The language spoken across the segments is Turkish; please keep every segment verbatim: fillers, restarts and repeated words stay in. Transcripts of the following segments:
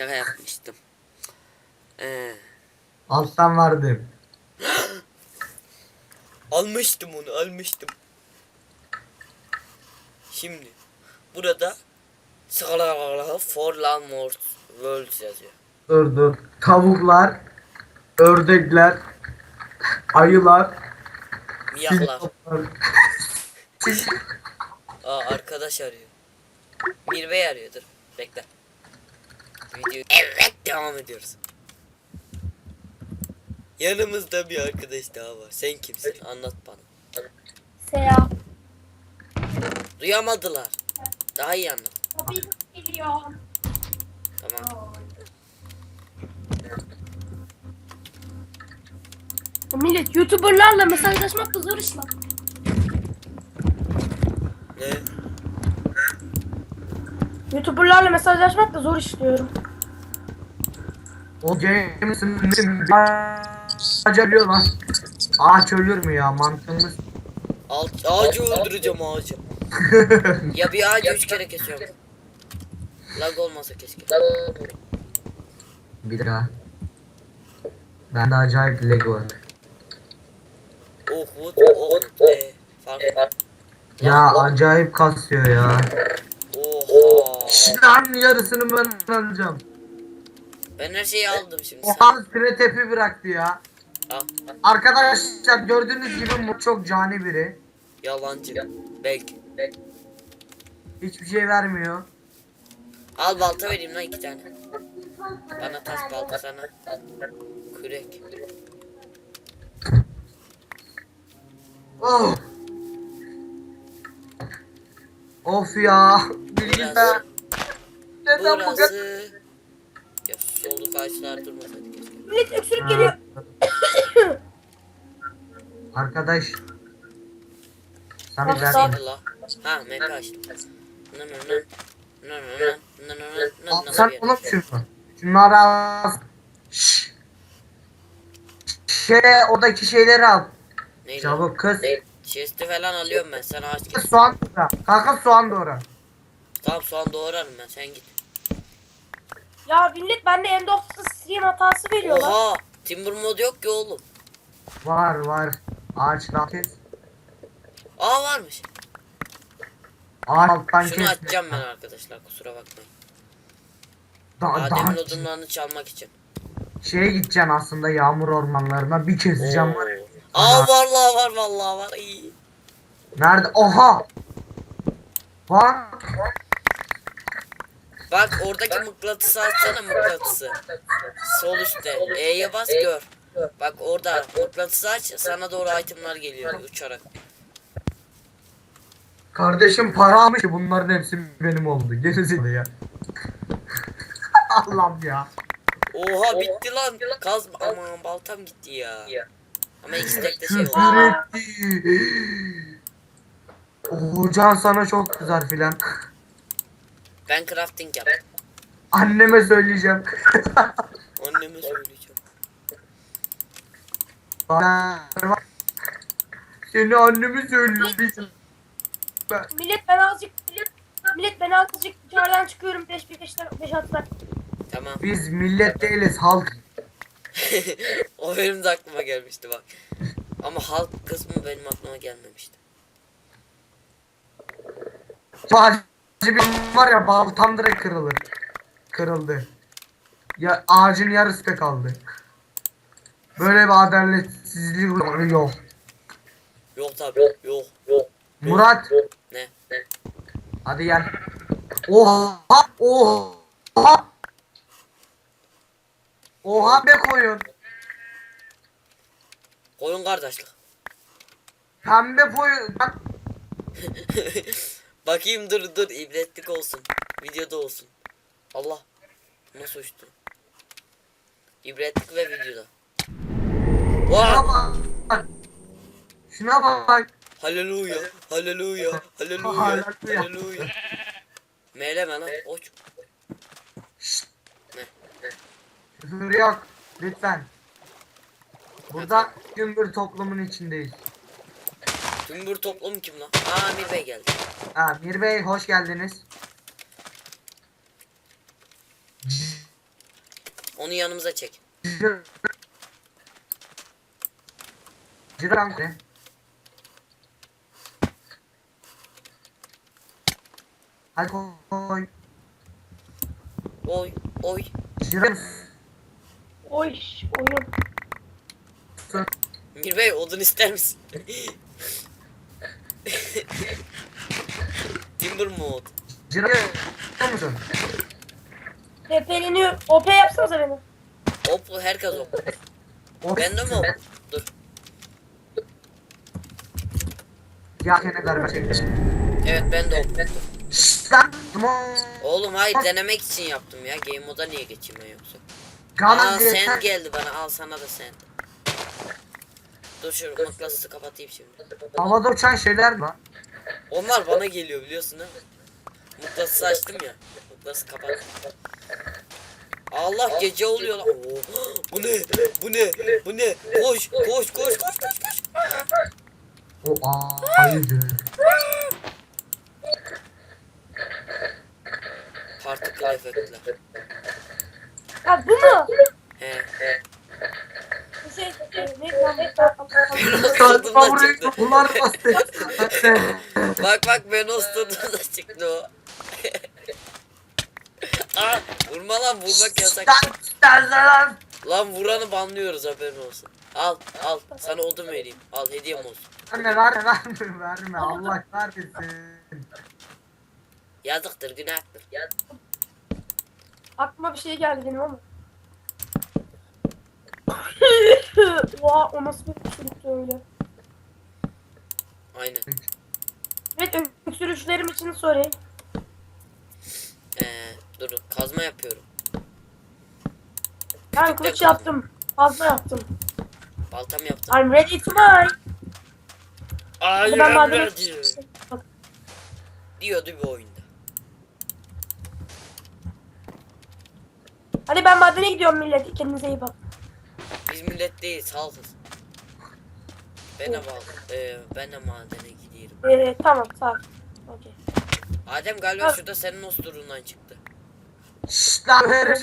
Şaka yapmıştım. Ee, Alttan vardım. almıştım onu almıştım. Şimdi burada for Landmort World yazıyor. Dur dur. Tavuklar, ördekler, ayılar, Miyaklar. sincaplar. Aa arkadaş arıyor. Mirve arıyordur. Bekle. Video evet devam ediyoruz. Yanımızda bir arkadaş daha var. Sen kimsin? Anlat bana. Selam. Duyamadılar. Daha iyi anlat. Tabii geliyor. Tamam. Millet YouTuber'larla mesajlaşmak da zor iş lan. Ne? YouTuber'larla mesajlaşmak da zor iş diyorum. O James'in ağaç ölüyor lan. Ağaç ölür mü ya, mantığımız? Alt, ağacı öldüreceğim ağacı. Ya bir ağacı üç kere kesiyorum. Lag olmasa keşke. Bir daha. Bende acayip Lego var. Oh wood oh e fark. Ya acayip kasıyor ya. Oha. Şlan yarısını ben alacağım. Ben her şeyi aldım şimdi. Oha süre tepi bıraktı ya. Al. Arkadaşlar gördüğünüz gibi bu çok cani biri. Yalancı. Belki. Hiçbir şey vermiyor. Al balta vereyim lan iki tane. Bana taş balta sana. Kürek. Oh. Of ya. Bilgisayar. Neden bu kadar? Burası. Ya soluk ağaçlar durmasaydı keşke. Millet öksürük geliyor. Arkadaş. Sana Bak, ben... bak. Neydi la? Ha M P açtım. Nı nı nı. Nı nı nı. Nı nı nı. Nı Al, nı sen nı. oğlum şunu. Şunları al. Şşş. Şey, oradaki şeyleri al. Neydi? Çabuk kız. Chest'i falan alıyorum ben. Sen ağaç kes. Soğan doğra. Kanka soğan doğra. Tamam soğan doğrarım ben. Sen git. Ya millet bende end of the stream hatası veriyorlar. Oha. Timber mod yok ki oğlum. Var var. Ağaçtan kes. Aa varmış. Ağaç alttan Şunu kes. açacağım ben arkadaşlar. Kusura bakmayın. Da, Adem'in da, odunlarını çalmak için. şeye gideceksin aslında, yağmur ormanlarına bir keseceğim var. ya. Aa vallahi var vallahi var. İyi. Nerede? Oha! Bak! Bak oradaki mıknatısı açsana mıknatısı. Sol üstte. E'ye bas gör. Bak orada mıknatısı aç sana doğru itemler geliyor uçarak. Kardeşim para almış ki bunların hepsi benim oldu. Gerizekalı ya. Allah'ım ya. Oha bitti lan. Kazma aman baltam gitti ya. Ama ikisi tek de şey oldu. Küfür etti. Hocan sana çok kızar filan. Ben crafting yap. Anneme söyleyeceğim. Anneme söyleyeceğim. Bana seni anneme söyleyeceğim. Millet ben azıcık millet, millet ben azıcık dışarıdan çıkıyorum beş beş beş atlar. Tamam. Biz millet değiliz, halk. O benim de aklıma gelmişti bak. Ama halk kısmı benim aklıma gelmemişti. Bağcı bir var ya, baltam direkt kırılır. Kırıldı. Ya ağacın yarısı da kaldı. Böyle bir adaletsizlik yok. Yok tabi. Yok. Yok. Murat, Ne? Ne? hadi gel. Oha! Oha! Oha be koyun. Koyun kardeşlik. Pembe koyun. Bak, Bakayım dur dur ibretlik olsun. Videoda olsun. Allah. Nasıl uçtu? İbretlik ve videoda. şuna Wow. bak. Şuna bak. Haleluya. Haleluya. Haleluya. Haleluya. Haleluya. Meyleme lan. Oç. Ne? Küfür yok. Lütfen. Burada gümbür toplumun içindeyiz. Tümbür toplum kim lan? Aa Amir Bey geldi. Ha, Mir Bey hoş geldiniz. Onu yanımıza çek. Ciran ne? Hadi koy. Oy oy. Ciran. Oy oyun. Mir Bey odun ister misin? Timber mod. Ciran musun? Tepeleniyor. O P yapsanıza beni. Hop herkes hop. Of. Ben de mi hop? Dur. Ya ne kadar şey. Evet ben de hop. Şşt lan. Tamam. Oğlum hayır denemek için yaptım ya. Game moda niye geçeyim ben yoksa? Gana Aa yeter. sand geldi bana. Al sana da sand. Dur şu mıknatısı kapatayım şimdi. Havada uçan şeyler lan. Onlar bana geliyor biliyorsun değil mi? Mıknatısı açtım ya. Mıknatısı kapat. Allah gece oluyor lan. Oo, bu ne? Bu ne? Bu ne? Koş koş koş koş koş koş. O ayıydı. Particle efektler. Ha bu mu? He. Bu şey. e, Ne lan? Ne Tadımdan Burayı çıktı. bunlar bastı. Bak bak ben osturdum da çıktı o. Aa, vurma lan vurmak yasak. Lan lan. Lan vuranı banlıyoruz haberin olsun. Al al sana odun vereyim. Al hediyem olsun. Anne verme verme verme Allah kahretsin. Yazıktır günahtır. Aklıma bir şey geldi benim ama. Oha o nasıl bir öksürüktü öyle. Aynen. Evet öksürüşlerim için sorry. Ee, dur kazma yapıyorum. Ben Küçükten kılıç kazma. yaptım. Fazla yaptım. Baltam yaptım. I'm ready to mine. Ay Ben madem diyordu bir oyunda. Hadi ben madene gidiyorum millet. Kendinize iyi bak. Biz millet değiliz halkız. Ben de bağlı. Ee, ben de madene gidiyorum. Ee, tamam tamam. Okey. Adem galiba şurada senin osturundan çıktı. Şşt lan ver.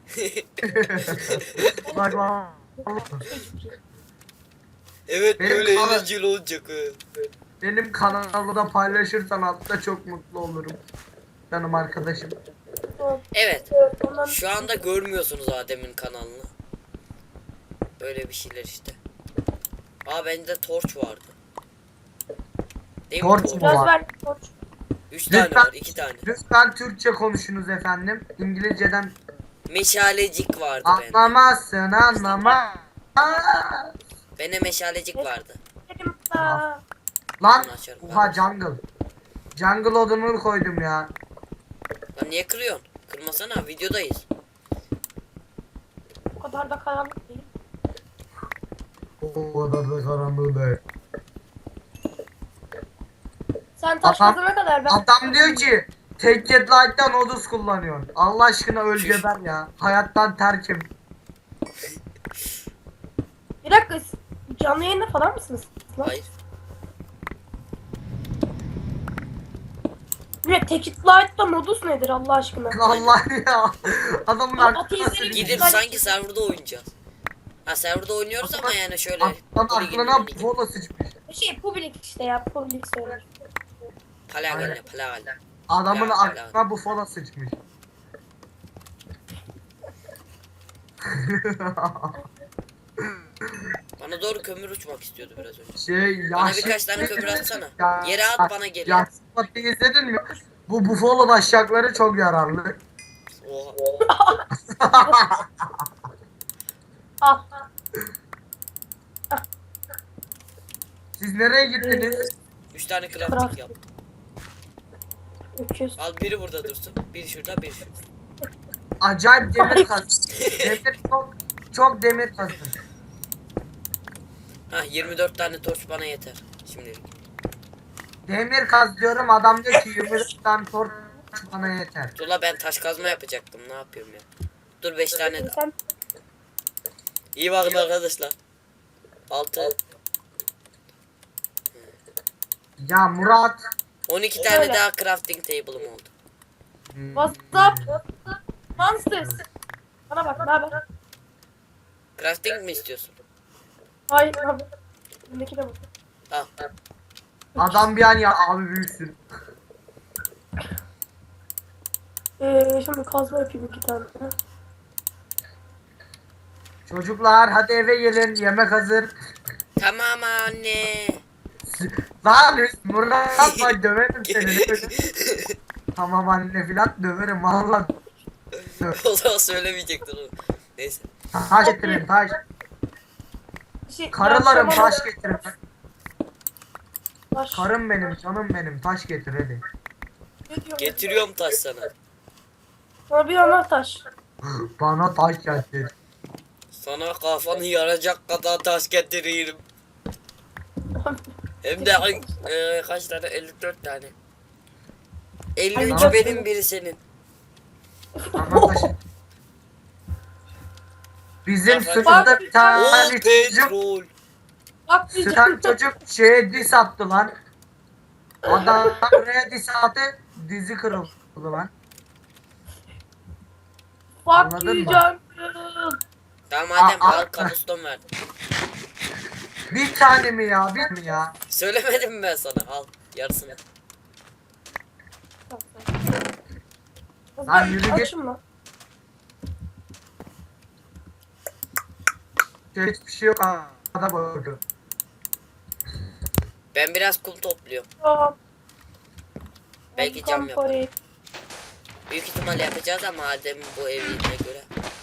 Bak lan. Evet Benim böyle kana- eğlenceli olacak. he. Benim kanalda paylaşırsan altta çok mutlu olurum. Canım arkadaşım. Tamam. Evet. Ondan Şu anda görmüyorsunuz Adem'in kanalını. Böyle bir şeyler işte. Aa bende torç vardı. Değil mi Torç torç? mu? biraz var. ver. Koç. Üç tane Lütfen- var, iki tane. Lütfen Türkçe konuşunuz efendim. İngilizceden Meşalecik vardı bende. anlamazsın anlama. Aa! Bende meşalecik vardı. Dedim daha. Lan Bunu açarım. oha jungle. Jungle odunu koydum ya. Lan niye kırıyorsun? Kırmasana videodayız. O kadar da karanlık değil. O kadar da karanlığı değil. Sen taş Adam- kazana kadar ben. Adam diyor ki Tek Jet Light'tan odus kullanıyorsun. Allah aşkına öl geber ya. Hayattan terkim. Bir dakika siz canlı yayında falan mısınız? Lan. Hayır. Ne Tekit Light'ta modus nedir Allah aşkına? Allah ya. Adamın Lan aklına ateistleri sürüyor. Gidip Ben- sanki serverda oynayacağız. Ha serverda oynuyoruz ama yani şöyle. Adamın Poli gibi, aklına poli gibi. polo sıçmış. Şey public işte ya public söyler. Palagale palagale. Adamın Ya, aklına bu fola sıçmış. Bana doğru kömür uçmak istiyordu biraz önce. Şey Bana yaşlı- birkaç tane kömür atsana. Ya- Yere at bana geliyor. Ya Spot'u izledin mi? Bu bufalo başakları çok yararlı. Oha. Al. Siz nereye gittiniz? Üç tane crafting Craft. yap. Öküz. Al biri burada dursun. Biri şurada biri şurada. Acayip demir kastım. Demir çok çok demir kastım. Ha yirmi dört tane torç bana yeter. Şimdilik. Demir kaz diyorum adam diyor ki yirmi dört tane torç bana yeter. Dur la ben taş kazma yapacaktım. Ne yapıyorum ya? Dur beş tane. Sen İyi bakın arkadaşlar. altı. Ya Murat. on iki tane Öyle. daha crafting table'ım oldu. what's up? Monsters. Bana bak ne haber? Crafting mi istiyorsun? Hayır abi. Bundaki de bu. Al. Adam bir an ya abi büyüksün. Ee, şimdi kazma yapayım iki tane. Çocuklar hadi eve gelin, yemek hazır. Tamam anne. Lan Murat yapma, döverim seni. Tamam anne filan döverim valla. O zaman söylemeyecektin onu. Neyse. Taş getirin taş. Şey, Karılarım ben taş sana- getirin. Taş. Karım benim, canım benim, taş getir hadi. Ne diyorsun? Getiriyorum taş sana. Sana bir yanar taş. Bana taş getir. Sana kafanı yaracak kadar taş getiririm. Hem de ay- e, kaç tane? elli dört tane. elli üç Ay, benim, biri senin. Bana taş. Bizim Bak, sınıfta bir Oo tane çocuk, petrol. Bak bir diyeceğim. tane çocuk şeye diss attı lan. Adam buraya diss attı, dizi kırıldı lan. Fuck Anladın you mı? Tamam madem Aa, al aa. kabuston verdim. Bir tane mi ya, bir mi ya? Söylemedim mi ben sana? Al yarısını. Lan yürü git. Açım lan. Hiçbir şey yok ha. Ada bakıyor. Ben biraz kum topluyorum. Tamam. Belki Hadi cam come yaparım. for it. Büyük ihtimal yapacağız ama madem bu evine göre.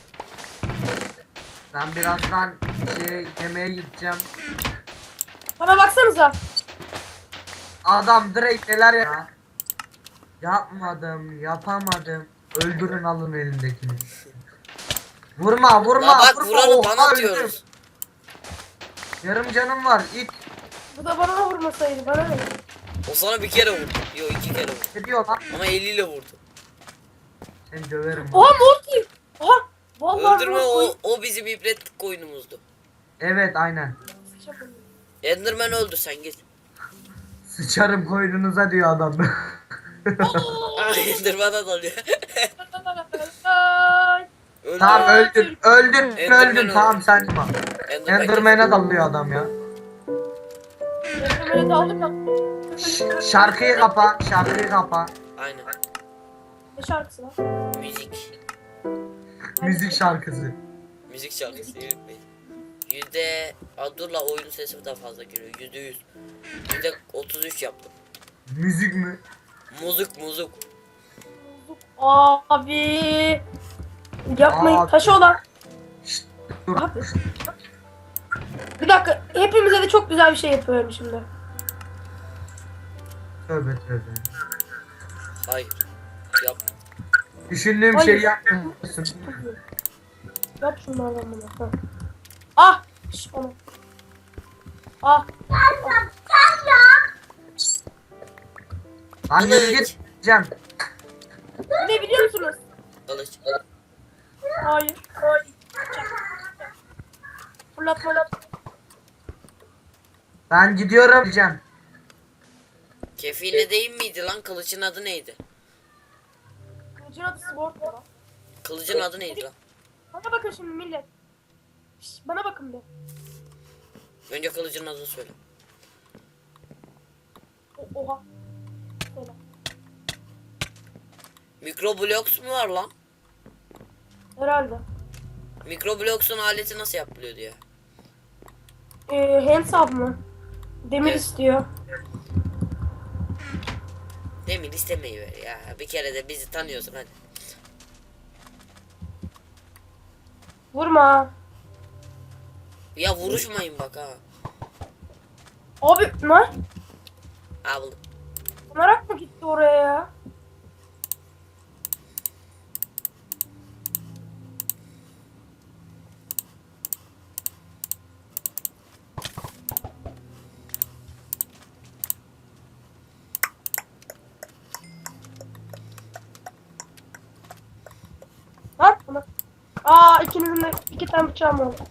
Ben birazdan şey, yemeğe gideceğim. Bana baksanıza. Adam direkt neler ya. Yapmadım, yapamadım. Öldürün alın elindekini. Vurma, vurma, La bak vurma. vuranı Oha, bana öldüm. atıyoruz. Yarım canım var. İt. Bu da bana vurmasaydı bana ne? O sana bir kere vurdu. Yo iki kere vurdu. Ne diyor lan? Ama eliyle vurdu. Seni döverim. Oha Morty. Oha. Vallahi Öldürme Morty. o, o bizim ibretlik koyunumuzdu. Evet aynen. Enderman öldü sen git. Sıçarım koynunuza diyor adam. Ay Enderman'a dalıyor. Öldü. Tamam öldün, öldün, Enderman öldün. öldü. Tamam sen çıkma. Enderman Enderman'e dalıyor adam ya. Enderman'i de aldım ya. Ş- şarkıyı kapa, şarkıyı kapa. Aynen. Ne şarkısı lan? Müzik. Müzik şarkısı. Müzik şarkısı yürütmeyin. Yüzde... Aa, dur la oyunun sesi daha fazla geliyor. Yüzde yüz. Yüzde otuz üç yaptım. Müzik mi? Muzuk muzuk. Abi. Yapmayın. Abi. Taşı olan. Şşt, dur. Abi. Bir dakika. Hepimize de çok güzel bir şey yapıyorum şimdi. Tövbe tövbe. Hayır. Yap. Düşündüğüm Hayır. şeyi yapmıyorsun. Yap şunlardan bunu. Ha. Ah. Şş, onu. Ah. Lan yürü git. Cem. Ne biliyor musunuz? Kılıç. Hayır. Hayır. Fırlat fırlat. Ben gidiyorum Cem. Kefine değil miydi lan? Kılıçın adı neydi? Kılıcın adı Sword mu lan? Kılıcın adı neydi lan? Bana bakın şimdi millet. Şş, bana bakın bir. Önce kılıcın adını söyle. O, oha. Söyle. Mikroblox mu var lan? Herhalde. Mikroblox'un aleti nasıl yapılıyor diye. Ee, hands up mı? Demir Evet. istiyor. Demir istemeyi ver ya. Bir kere de bizi tanıyorsun hadi. Vurma. Ya vuruşmayın bak ha. Abi ne? Ha buldum. Merak mı gitti oraya ya? Lan bana. Aa ikinizin de iki tane bıçağım oldu.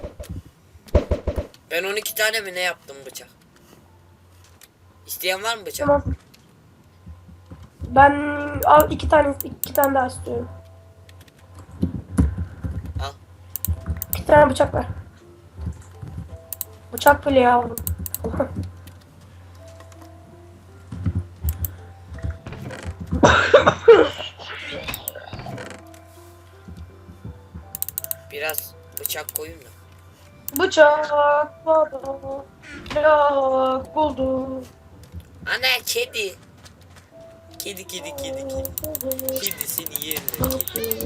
Ben on iki tane mi ne yaptım bıçak? İsteyen var mı bıçak? Tamam. Ben al iki tane iki tane daha istiyorum. Al. iki tane bıçak ver. Bıçak bile yavrum. Biraz bıçak koyayım da. Bıçak baba. Bıçak buldum. Ana kedi. Kedi kedi kedi kedi. Kedi seni yerine kedi.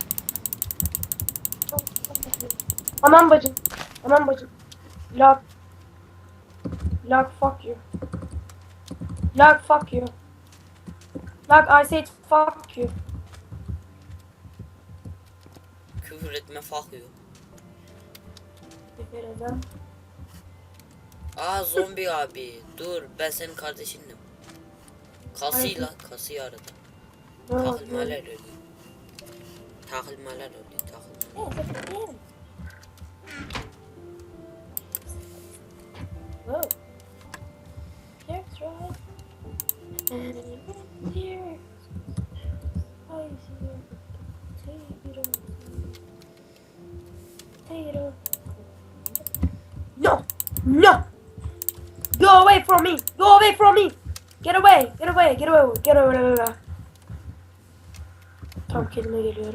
Aman bacım. Aman bacım. Log. Log fuck you. Log fuck you. Log I said fuck you. Küfür etme fakıyor. Efendim. Aa zombi abi. Dur ben senin kardeşindim. Kasıyla kasıyı aradı. Takılmalar öyle. Takılmalar öyle. Takılmalar. Oh. That's right. And here. I see you. Potato. Potato. No! No! Go away from me! Go away from me! Get away! Get away! Get away! Get away! Tam kelime geliyorum.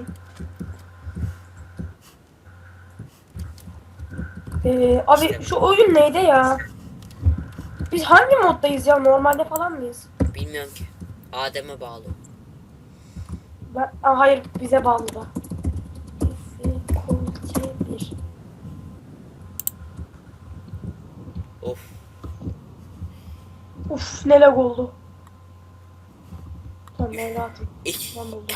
Ee, abi şu oyun neydi ya? Biz hangi moddayız ya? Normalde falan mıyız? Bilmiyorum ki. Adem'e bağlı. Ben, Aa, hayır bize bağlı da. Difficulty bir. Of. Uf ne lag oldu. Tamam ben rahatım. İh. Ben buldum.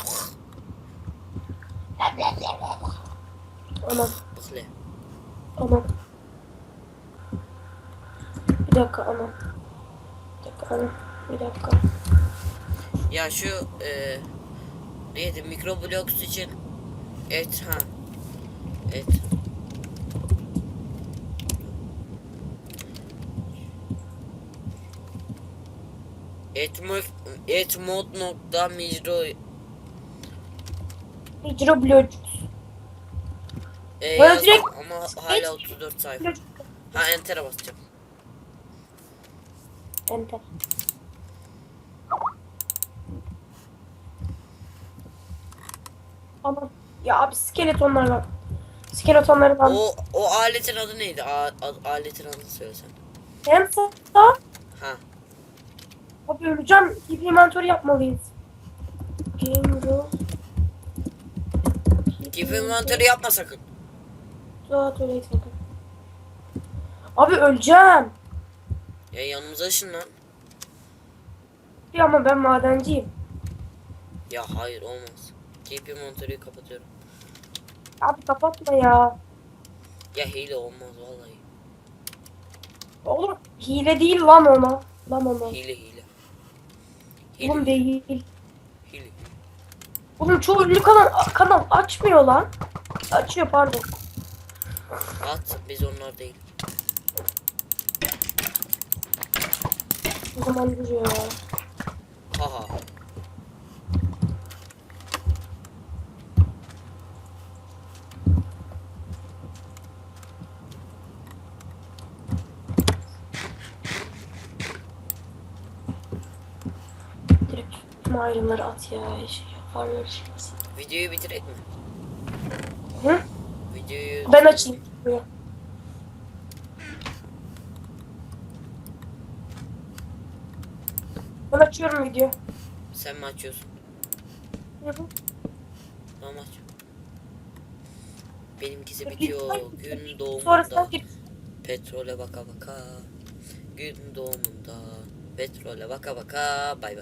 Aman Bıkle. aman. Bir dakika aman. Bir dakika aman. Bir dakika. Ya şu e, neydi mikrobloks için et ha et etmod etmod nokta micro Micro blok. e, Bana yazdım direkt- ama hala otuz dört sayfa. Ha enter'e basacağım. Enter. Aman. Ya abi skeletonlar var. Skeletonları ben. O o aletin adı neydi? A, a- aletin adını söylesen. Hem sağ. Ha. Abi öleceğim. Keep inventory yapmalıyız. Game rule. Keep inventory yapma sakın. Daha tuvalet bakın. Abi öleceğim. Ya yanımıza ışınlan. Ya ama ben madenciyim. Ya hayır olmaz. Keep inventory'yi kapatıyorum. Abi kapatma ya. Ya hile olmaz vallahi. Oğlum hile değil lan ona. Lan ona. Hile hile. Oğlum değil. Hile. Oğlum çoğu ünlü kanal, kanal açmıyor lan. Açıyor pardon. At biz onlar değil. O zaman duruyor. Haha. Direkt tüm ayrımları at ya. Şey yaparlar şimdi. Videoyu bitirek mi? Hı? Videoyu... Ben açayım. Buyur. Ben açıyorum video. Sen mi açıyorsun? Hı hı. Tamam aç. Benimkisi Peki, bitiyor. hayır. Gün Sonra sen doğumunda. gir. Petrole baka baka. Gün doğumunda. Petrole baka baka. Bay bay.